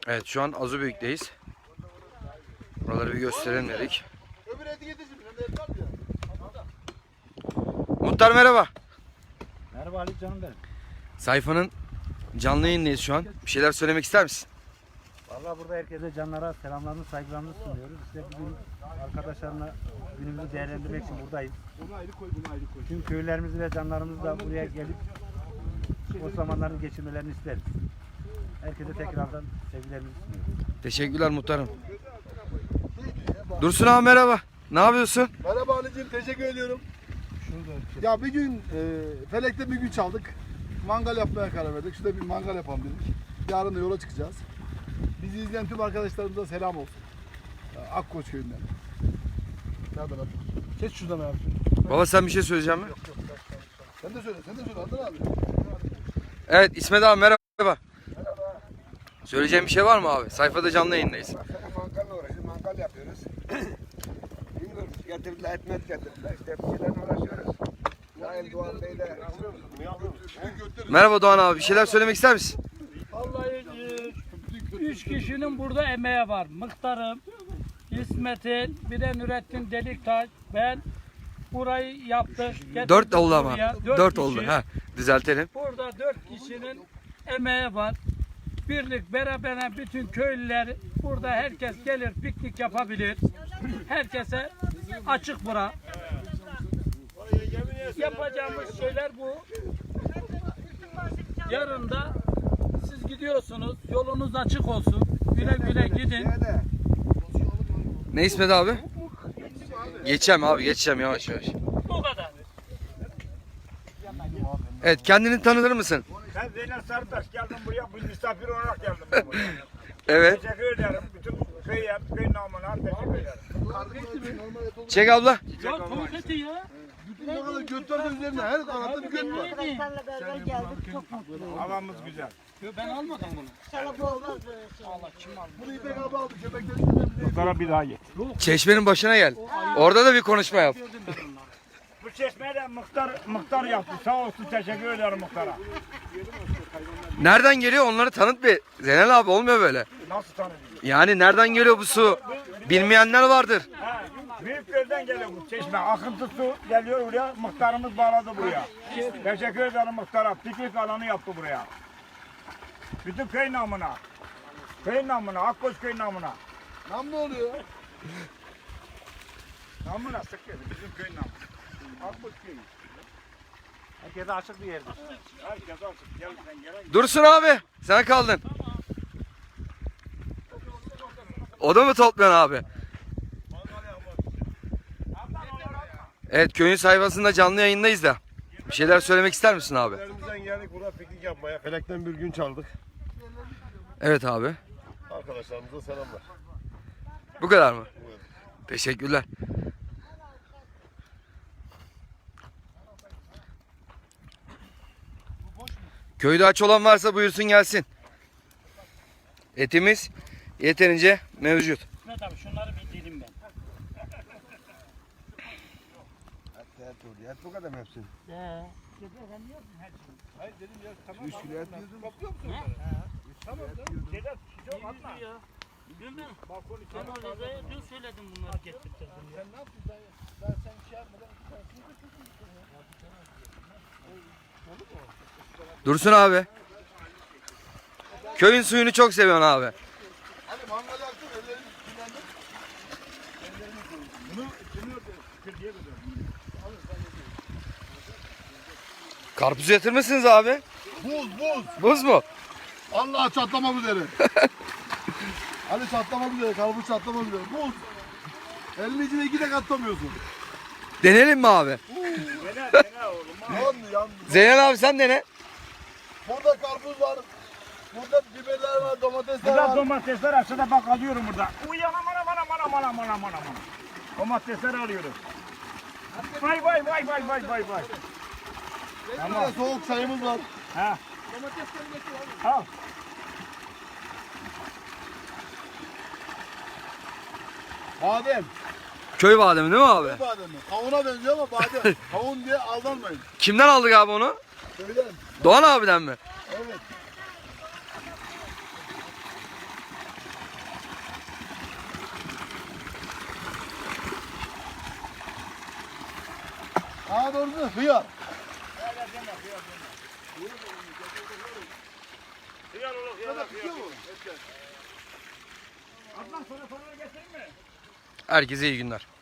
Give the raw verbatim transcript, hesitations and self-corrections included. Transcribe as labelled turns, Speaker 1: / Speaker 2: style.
Speaker 1: Evet, şu an Azubeyük'teyiz. Buraları bir gösterelim dedik. Muhtar merhaba.
Speaker 2: Merhaba Ali canım benim.
Speaker 1: Sayfanın canlı yayındayız şu an. Bir şeyler söylemek ister misin?
Speaker 2: Vallahi burada herkese canlara selamlarını, saygılarını sunuyoruz. İşte bugün arkadaşlarla günümüzü değerlendirmek için buradayız. Tüm köylerimizi ve canlarımızı da buraya gelip o zamanların geçirmelerini isteriz. Herkese tekrardan sevgilerimizi sunuyoruz.
Speaker 1: Teşekkürler muhtarım. Dursun abi merhaba. Ne yapıyorsun?
Speaker 3: Merhaba Ali'ciğim, teşekkür ediyorum. Ya bir gün e, Felek'te bir gün çaldık. Mangal yapmaya karar verdik. Şurada bir mangal yapalım dedik. Yarın da yola çıkacağız. Bizi izleyen tüm arkadaşlarımıza selam olsun. Akkoç köyünden. Nereden abi? Kes şuradan abi.
Speaker 1: Baba sen bir şey söyleyecek misin?
Speaker 3: Sen de söyle, sen de söyle Adnan abi.
Speaker 1: Evet İsmet abi merhaba. Merhaba. Söyleyeceğim bir şey var mı abi? Sayfada canlı yayındayız.
Speaker 4: Mangalla uğraşıyoruz, mangal yapıyoruz. Bilmiyorum, getirdiler, etmet getirdiler. İşte bir şeylerle uğraşıyoruz. Nail Doğan Bey de...
Speaker 1: Merhaba Doğan abi. Bir şeyler söylemek ister misin?
Speaker 5: Vallahi e, üç kişinin burada emeği var. Mıhtarım, İsmet'in, bir de Nurettin Deliktaş, ben burayı yaptık.
Speaker 1: Dört oldu ama.
Speaker 5: buraya.
Speaker 1: Dört
Speaker 5: kişi.
Speaker 1: oldu. Ha, düzeltelim.
Speaker 5: Burada dört kişinin emeği var. Birlik beraber bütün köylüler burada herkes gelir piknik yapabilir. Herkese açık bura. Yapacağımız şeyler bu. Yarın da siz gidiyorsunuz. Yolunuz açık olsun. Güle güle gidin.
Speaker 1: Ne İsmet abi? Geçeceğim abi geçeceğim yavaş yavaş.
Speaker 5: Bu kadar.
Speaker 1: Evet kendini tanıtır mısın?
Speaker 6: Ben Zeynep Sarıtaş geldim buraya, bir misafir olarak geldim ben buraya.
Speaker 1: Evet.
Speaker 6: Teşekkür ederim. Bütün köye, köy namına teşekkür ederim.
Speaker 1: Çek abla.
Speaker 5: Ya tuvaleti ya.
Speaker 3: Bütün ne kadar götler de üzerinde her tarafta bir göt var.
Speaker 7: Arkadaşlarla beraber geldik. Çok mutluyum.
Speaker 6: Havamız güzel.
Speaker 5: Ben almadım bunu.
Speaker 7: İnşallah bu olmaz böyle şey.
Speaker 5: Allah kim aldı?
Speaker 3: Bunu İpek abi aldı, köpekleri.
Speaker 6: Muhtara bir daha git.
Speaker 1: Çeşmenin başına gel. Orada da bir konuşma yap.
Speaker 6: Bu çeşmeyi de muhtar, muhtar yaptı. Sağ olsun, teşekkür ederim muhtara.
Speaker 1: Nereden geliyor onları tanıt bir. Zeynel abi olmuyor böyle.
Speaker 6: Nasıl tanıdın?
Speaker 1: Yani nereden geliyor bu su? Bilmeyenler vardır.
Speaker 6: Ha, büyük gölden geliyor bu çeşme. Akıntı su geliyor buraya. Muhtarımız bağladı buraya. Teşekkür ederim muhtara. Piknik alanı yaptı buraya. Bütün köy namına. Köy namına, Akkoç köy namına.
Speaker 3: Nam ne oluyor?
Speaker 6: Namına sık geldi. Bizim köy namına. Akkoç köyü.
Speaker 2: Herkese açık bir yerdir.
Speaker 6: Herkes açık. Gel sen gel.
Speaker 1: Dursun abi sen kaldın. O da mı topluyorsun abi? Evet köyün sayfasında canlı yayındayız da. Bir şeyler söylemek ister misin abi?
Speaker 4: Elimizden geldik burada piknik yapmaya. Felek'ten bir gün çaldık.
Speaker 1: Evet abi.
Speaker 4: Arkadaşlarımıza selamlar.
Speaker 1: Bu kadar mı? Teşekkürler. Köyde aç olan varsa buyursun gelsin. Etimiz yeterince mevcut.
Speaker 5: İsmet abi şunları bir dilim ben.
Speaker 4: Et et bu kadar mı hepsi?
Speaker 5: He.
Speaker 4: üç kilo et yiyordun.
Speaker 6: Şeyler çok atma.
Speaker 5: Dün ben, ben o Reza'ya dün söyledim bunları getirtirdim. Sen ne yaptın? Ben sen şey yapmadan
Speaker 1: Dursun abi. Köyün suyunu çok seviyorsun abi.
Speaker 3: Hadi mangal yaktın, ellerini kirlendir.
Speaker 1: Karpuz yatırmışsınız abi.
Speaker 3: Buz, buz.
Speaker 1: Buz mu?
Speaker 3: Allah çatlamak üzere. Hadi çatlamak üzere, karpuz çatlamak üzere. Buz. Elini içine iki de katlamıyorsun.
Speaker 1: Denelim mi abi?
Speaker 6: Dene dene oğlum.
Speaker 3: Yandı, yandı.
Speaker 1: Zeynel abi sen dene.
Speaker 3: Burada karpuz var. Burada biberler var, domatesler
Speaker 6: Burada
Speaker 3: var.
Speaker 6: domatesler aşağıda bak alıyorum burada. Uy anam anam anam anam anam anam anam. Domatesler alıyoruz. Vay vay vay vay vay vay vay.
Speaker 3: Burada soğuk çayımız var.
Speaker 6: Ha. Al.
Speaker 3: Badem.
Speaker 1: Köy bademi değil mi abi?
Speaker 3: Ne bademi? Kavuna benziyor ama badem. Kavun diye aldanmayın.
Speaker 1: Kimden aldık abi onu?
Speaker 3: Köyden.
Speaker 1: Doğan abiden mi?
Speaker 3: Evet. Daha doğrusu hıyar.
Speaker 6: Hıyar olur, hıyar olur.
Speaker 3: Tutuyor mu?
Speaker 6: Adnan sana paraları getireyim mi?
Speaker 1: Herkese iyi günler.